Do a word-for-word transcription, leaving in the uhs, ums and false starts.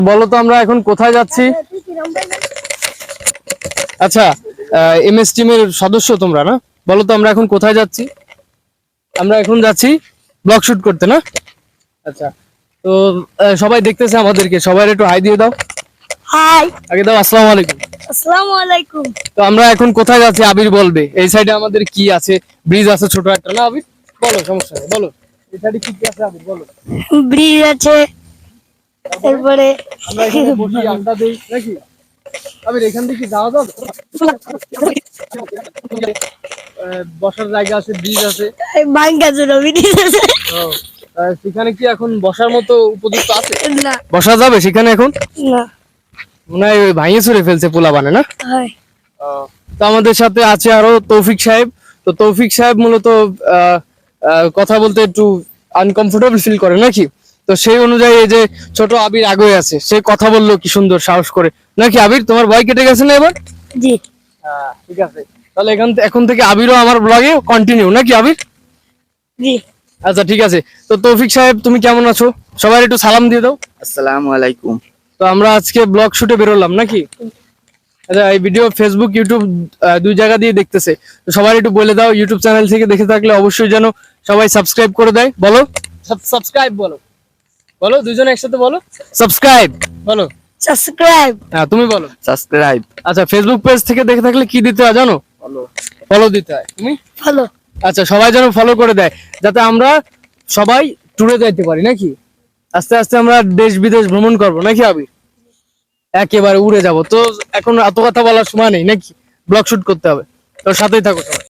বলো তো আমরা এখন কোথায় যাচ্ছি? আচ্ছা, এম এস টিমের সদস্য তোমরা না? বলো তো আমরা এখন কোথায় যাচ্ছি? আমরা এখন যাচ্ছি ব্লগ শুট করতে না? আচ্ছা, তো আহ, সবাই দেখতেছে আমাদেরকে, সবাই একটু হাই দিয়ে দাও। হাই। আগে দাও আসসালামু আলাইকুম। আসসালামু আলাইকুম। তো আমরা এখন কোথায় যাচ্ছি আবির বলবে। এই সাইডে আমাদের কি আছে? ব্রিজ আছে ছোট একটা না আবির? বলো, সমস্যা নেই, বলো এই সাইডে কি কি আছে আবির বলো। ব্রিজ আছে, তারপরে আমরা এখানে বসি আড্ডা দেই নাকি আবির? এখান থেকে যাওয়া যাবে? আহ, বসার জায়গা আছে, ব্রিজ আছে। বাঙ্গাজুর ব্রিজ আছে। ও, আহ, সেখানে কি এখন বসার মতো উপযুক্ত আছে? না বসা যাবে সেখানে এখন? না মনে হয় ওই ভাঙিয়ে চুরে ফেলছে পোলা বানে না? হয়। তো আমাদের সাথে আছে আরো তৌফিক সাহেব। তো তৌফিক সাহেব মূলত আহ, আহ, কথা বলতে একটু আনকমফোর্টেবল ফিল করে নাকি? তো সেই অনুযায়ী এই যে ছোট আবির আগে আছে, সে কথা বললো কি সুন্দর সাহস করে নাকি? আবির তোমার ভয় কেটে গেছে না এবার? জি হ্যাঁ ঠিক আছে, তাহলে এখান এখন থেকে আবিরও আমার ব্লগে কন্টিনিউ নাকি আবির? জি। আচ্ছা ঠিক আছে। তো তৌফিক সাহেব তুমি কেমন আছো? সবাই একটু সালাম দিয়ে দাও। আসসালামু আলাইকুম। তো আমরা আজকে ব্লগ শুটে বেরোলাম নাকি? আচ্ছা, এই ভিডিও ফেসবুক ইউটিউব আহ, দুই জায়গা দিয়ে দেখতেছে, তো সবাই একটু বলে দাও ইউটিউব চ্যানেল থেকে দেখে থাকলে অবশ্যই যেন সবাই সাবস্ক্রাইব করে দেয়। বলো সাবস্ক্রাইব, বলো বলো দুইজন একসাথে বলো সাবস্ক্রাইব, বলো। সাবস্ক্রাইব। হ্যাঁ তুমি বলো। সাবস্ক্রাইব। আচ্ছা, ফেসবুক পেজ থেকে দেখে থাকলে কি দিতে হয় জানো? ফলো। ফলো দিতে হয়। তুমি? ভালো। আচ্ছা, সবাই যেন ফলো করে দেয়, যাতে আমরা সবাই ট্যুরে যাইতে পারি নাকি? আস্তে আস্তে আমরা দেশ বিদেশ ভ্রমণ করবো নাকি আবি? একেবারে উড়ে যাব। তো এখন এত কথা বলার সময় নেই নাকি, ব্লগ শুট করতে হবে। তো সাথেই থাকো সবাই।